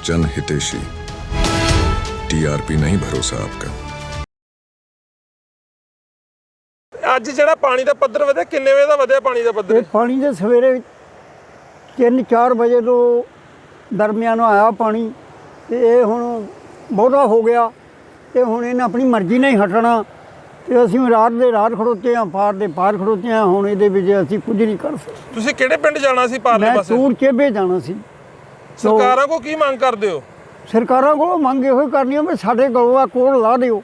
जन हितेशी। टीआरपी नहीं भरोसा आपका। ਅੱਜ ਜਿਹੜਾ ਪਾਣੀ ਦਾ ਪੱਧਰ ਵਧਿਆ, ਕਿੰਨੇ ਵਜੇ ਦਾ ਵਧਿਆ ਪਾਣੀ ਦਾ ਪੱਧਰ? ਪਾਣੀ ਦੇ ਸਵੇਰੇ 3-4 ਵਜੇ ਤੋਂ ਦਰਮਿਆਨ ਆਇਆ ਪਾਣੀ, ਤੇ ਇਹ ਹੁਣ ਬਹੁਤਾ ਹੋ ਗਿਆ ਤੇ ਹੁਣ ਇਹਨੇ ਆਪਣੀ ਮਰਜ਼ੀ ਨਾਲ ਹੀ ਹਟਣਾ, ਤੇ ਅਸੀਂ ਰਾਤ ਦੇ ਰਾਤ ਖੜੋਤੇ ਹਾਂ, ਪਾਰ ਦੇ ਪਾਰ ਖੜੋਤੇ ਹਾਂ। ਹੁਣ ਇਹਦੇ ਵਿੱਚ ਅਸੀਂ ਕੁਝ ਨਹੀਂ ਕਰ ਸਕਦੇ। ਤੁਸੀਂ ਕਿਹੜੇ ਪਿੰਡ ਜਾਣਾ ਸੀ ਪਾਰਲੇ ਪਾਸੇ? ਮੈਂ ਤੂਰ ਚੇਬੇ ਜਾਣਾ ਸੀ। ਸਰਕਾਰਾਂ ਕੋ ਕੀ ਮੰਗ ਕਰਦੇ ਹੋ? ਸਰਕਾਰਾਂ ਕੋਲੋਂ ਮੰਗ ਇਹੋ ਹੀ ਕਰਨੀ ਆ ਵੀ ਸਾਡੇ ਕੋਲੋਂ ਆ ਕੋਲ ਲਾ ਦਿਓ।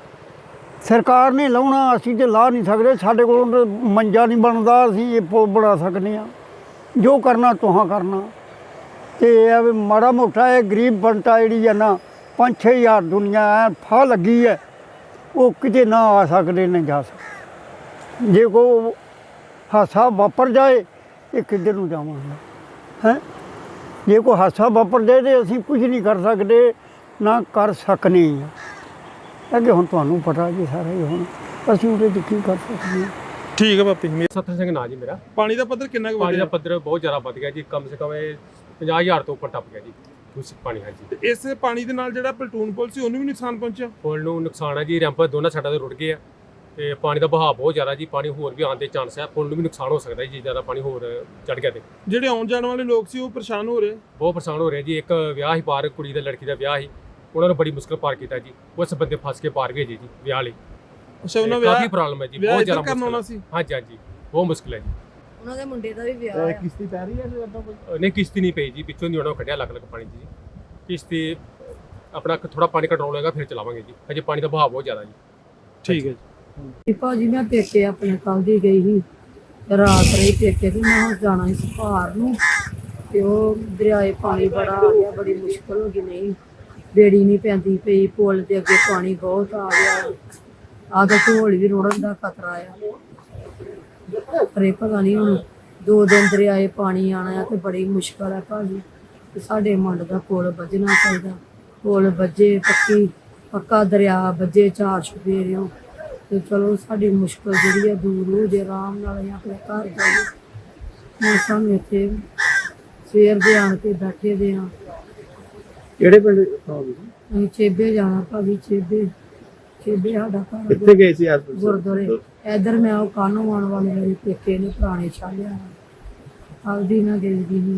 ਸਰਕਾਰ ਨੇ ਲਾਉਣਾ, ਅਸੀਂ ਤੇ ਲਾ ਨਹੀਂ ਸਕਦੇ। ਸਾਡੇ ਕੋਲੋਂ ਮੰਜਾ ਨਹੀਂ ਬਣਦਾ, ਅਸੀਂ ਇਹ ਪੁਲ ਬਣਾ ਸਕਦੇ ਹਾਂ। ਜੋ ਕਰਨਾ ਤੁਹਾਂ ਕਰਨਾ। ਤੇ ਇਹ ਵੀ ਮਾੜਾ ਮੋਟਾ ਇਹ ਗਰੀਬ ਬੰਟਾ ਜਿਹੜੀ ਹੈ ਨਾ 5-6 ਹਜ਼ਾਰ ਦੁਨੀਆ ਐ ਫਾਹ ਲੱਗੀ ਹੈ, ਉਹ ਕਿਤੇ ਨਾ ਆ ਸਕਦੇ ਨਾ ਜਾ ਸਕਦੇ। ਜੇ ਕੋਈ ਹਾਦਸਾ ਵਾਪਰ ਜਾਏ ਇਹ ਕਿੱਧਰ ਨੂੰ ਜਾਵਾਂਗੇ ਹੈਂ? ਜੇ ਕੋਈ ਹਾਦਸਾ ਵਾਪਰ ਜਾਏ ਤਾਂ ਅਸੀਂ ਕੁਝ ਨਹੀਂ ਕਰ ਸਕਦੇ, ਨਾ ਕਰ ਸਕਨੇ ਹਾਂ। ਅੱਗੇ ਹੁਣ ਤੁਹਾਨੂੰ ਪਤਾ ਜੀ ਸਾਰਾ ਹੀ, ਹੁਣ ਅਸੀਂ ਉਹਦੇ 'ਚ ਕੀ ਕਰ ਸਕਦੇ ਹਾਂ। ਠੀਕ ਹੈ ਪਾਪੀ। ਸਤਰ ਸਿੰਘ ਨਾਂ ਜੀ ਮੇਰਾ। ਪਾਣੀ ਦਾ ਪੱਧਰ ਕਿੰਨਾ ਕੁ ਪਾਣੀ ਦਾ ਵਧਿਆ? ਪੱਧਰ ਬਹੁਤ ਜ਼ਿਆਦਾ ਵੱਧ ਗਿਆ ਜੀ, ਕਮ ਸੇ ਕਮ 50,000 ਤੋਂ ਉੱਪਰ ਟੱਪ ਗਿਆ ਜੀ ਦੂਸ਼ਿਤ ਪਾਣੀ। ਹਾਂਜੀ, ਤੇ ਇਸ ਪਾਣੀ ਦੇ ਨਾਲ ਜਿਹੜਾ ਪਲਟੂਨ ਪੁਲ ਸੀ ਉਹਨੂੰ ਵੀ ਨੁਕਸਾਨ ਪਹੁੰਚਿਆ? ਪੁਲ ਨੂੰ ਨੁਕਸਾਨ ਹੈ ਜੀ, ਰੈਂਪ ਦੋਨਾਂ ਸਾਈਡਾਂ ਤੋਂ ਰੁੜ ਗਏ ਆ, ਤੇ ਪਾਣੀ ਦਾ ਵਹਾਅ ਬਹੁਤ ਜ਼ਿਆਦਾ ਜੀ। ਪਾਣੀ ਹੋਰ ਵੀ ਆਉਣ ਦੇ ਚਾਂਸ ਹੈ, ਪੁਲ ਨੂੰ ਵੀ ਨੁਕਸਾਨ ਹੋ ਸਕਦਾ ਜੀ, ਜ਼ਿਆਦਾ ਪਾਣੀ ਹੋਰ ਚੜ ਗਿਆ ਤੇ। ਜਿਹੜੇ ਆਉਣ ਜਾਣ ਵਾਲੇ ਲੋਕ ਸੀ ਉਹ ਪਰੇਸ਼ਾਨ ਹੋ ਰਹੇ? ਬਹੁਤ ਪਰੇਸ਼ਾਨ ਹੋ ਰਹੇ ਜੀ। ਇੱਕ ਵਿਆਹ ਹੀ ਪਾਰ, ਕੁੜੀ ਦਾ ਲੜਕੀ ਦਾ ਵਿਆਹ ਹੀ, ਉਹਨਾਂ ਨੂੰ ਬੜੀ ਮੁਸ਼ਕਲ ਪਾਰ ਕੀਤਾ ਜੀ। ਉਸ ਬੰਦੇ ਫਸ ਕੇ ਪਾਰ ਗਏ ਜੀ ਜੀ ਵਿਆਹ ਲਈ। ਅੱਛਾ, ਉਹਨਾਂ ਕਾਫੀ ਪ੍ਰੋਬਲਮ ਹੈ ਜੀ, ਬਹੁਤ ਜ਼ਿਆਦਾ ਕਰਨਾ ਹੋਣਾ ਮੁਸ਼ਕਲ ਸੀ। ਹਾਂਜੀ ਹਾਂਜੀ, ਬਹੁਤ ਮੁਸ਼ਕਲ ਹੈ ਜੀ। ਉਹਨਾਂ ਦੇ ਮੁੰਡੇ ਦਾ ਵੀ ਵਿਆਹ ਆ। ਕਿਸ਼ਤੀ ਪੈ ਰਹੀ ਹੈ ਜਾਂ ਇਦਾਂ ਕੋਈ? ਨਹੀਂ, ਕਿਸ਼ਤੀ ਨਹੀਂ ਪਈ ਜੀ, ਪਿੱਛੋਂ ਦੀ ਉਹਨਾਂ ਨੂੰ ਕੱਢਿਆ ਲੱਗ ਪਾਣੀ 'ਚ ਜੀ। ਕਿਸ਼ਤੀ ਆਪਣਾ ਥੋੜਾ ਪਾਣੀ ਕੰਟਰੋਲ ਹੋਏਗਾ ਫਿਰ ਚਲਾਵਾਂਗੇ ਜੀ, ਅਜੇ ਪਾਣੀ ਦਾ ਵਹਾਅ ਬਹੁਤ ਜ਼ਿਆਦਾ ਜੀ। ਠੀਕ ਹੈ ਤੇ ਭਾਜੀ ਮੈਂ ਪੇਕੇ ਆਪਣੇ ਕੱਲ ਦੀ ਗਈ ਸੀ, ਰਾਤ ਰਹੀ ਪੇਕੇ ਤੇ ਮੈਂ ਹੁਣ ਜਾਣਾ ਸੀ ਭਾਰ ਨੂੰ, ਤੇ ਉਹ ਦਰਿਆਏ ਪਾਣੀ ਬੜਾ ਆ ਗਿਆ, ਬੜੀ ਮੁਸ਼ਕਲ ਹੋ ਗਈ। ਨਹੀਂ ਬੇੜੀ ਨਹੀਂ ਪੈਂਦੀ ਪਈ, ਪੁਲ ਦੇ ਅੱਗੇ ਪਾਣੀ ਬਹੁਤ ਆ ਗਿਆ, ਆਗਾ ਢੋਲ ਵੀ ਰੋੜਨ ਦਾ ਖਤਰਾ ਆ। ਪਰ ਇਹ ਪਤਾ ਨਹੀਂ ਹੁਣ 2 ਦਿਨ ਦਰਿਆਏ ਪਾਣੀ ਆਣਾ ਆ ਤੇ ਬੜੀ ਮੁਸ਼ਕਲ ਹੈ ਭਾਜੀ। ਤੇ ਸਾਡੇ ਮੰਡ ਦਾ ਪੁਲ ਵੱਜਣਾ ਚਾਹੀਦਾ, ਪੁਲ ਵੱਜੇ, ਪੱਕਾ ਦਰਿਆ ਵੱਜੇ 4 ਚੁਫੇਰਿਓਂ, ਤੇ ਚਲੋ ਸਾਡੀ ਮੁਸ਼ਕਲ ਜਿਹੜੀ ਆ ਦੂਰ ਹੋ ਜੇ, ਆਰਾਮ ਨਾਲ ਅਸੀਂ ਆਪਣੇ ਘਰ ਜਾਈਏ। ਹੁਣ ਸਾਨੂੰ ਇੱਥੇ ਸਵੇਰ ਦੇ ਆਣ ਕੇ ਬੈਠੇ ਦੇ ਆ। ਕਿਹੜੇ ਪਿੰਡ? ਅਸੀਂ ਚੇਬੇ ਜਾਣਾ ਭਾਜੀ, ਚੇਬੇ ਸਾਡਾ ਘਰ। ਕਿੱਥੇ ਗਏ ਸੀ ਅੱਜ? ਗੁਰਦੁਆਰੇ। ਇੱਧਰ ਮੈਂ ਉਹ ਕਾਨੂੰ ਆਉਣ ਵਾਲੇ ਮੇਰੇ ਪੇਕੇ ਨੇ ਪੁਰਾਣੇ ਛਾਲਿਆ, ਹਲਦੀ ਨਾ ਗਈ ਦੀ ਨਹੀਂ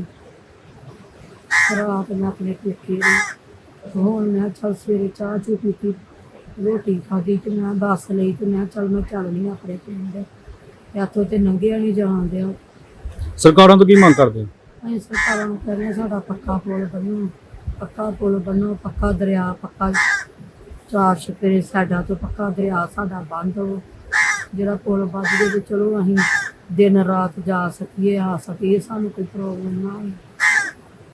ਰਾਤ ਮੈਂ ਆਪਣੇ ਪੇਕੇ ਨੇ। ਹੁਣ ਮੈਂ ਚੱਲ ਸਵੇਰੇ ਚਾਹ ਚੂ ਪੀਤੀ, ਰੋਟੀ ਖਾਧੀ, ਤੇ ਮੈਂ ਬੱਸ ਲਈ, ਤੇ ਮੈਂ ਚੱਲ ਮੈਂ ਚੱਲਣੀ ਆਪਣੇ ਪਿੰਡ। ਇੱਥੋਂ ਤੇ ਲੰਘਿਆ ਨਹੀਂ ਜਾਣ ਦਿਆ। ਸਰਕਾਰਾਂ ਤੋਂ ਕੀ ਮੰਗ ਕਰਦੇ ਹੋ? ਅਸੀਂ ਸਰਕਾਰਾਂ ਨੂੰ ਕਹਿੰਦੇ ਸਾਡਾ ਪੱਕਾ ਪੁਲ ਬਣੋ, ਪੱਕਾ ਪੁਲ ਬਣੋ, ਪੱਕਾ ਦਰਿਆ, ਪੱਕਾ 4 ਚੁਫੇਰੇ ਸਾਡਾ ਤੋਂ ਪੱਕਾ ਦਰਿਆ ਸਾਡਾ ਬੰਦ ਹੋ। ਜਿਹੜਾ ਪੁਲ ਵੱਜ ਜੇ ਤੇ ਚਲੋ ਅਸੀਂ ਦਿਨ ਰਾਤ ਜਾ ਸਕੀਏ, ਆ ਸਕੀਏ, ਸਾਨੂੰ ਕੋਈ ਪ੍ਰੋਬਲਮ ਨਾ ਹੋਵੇ।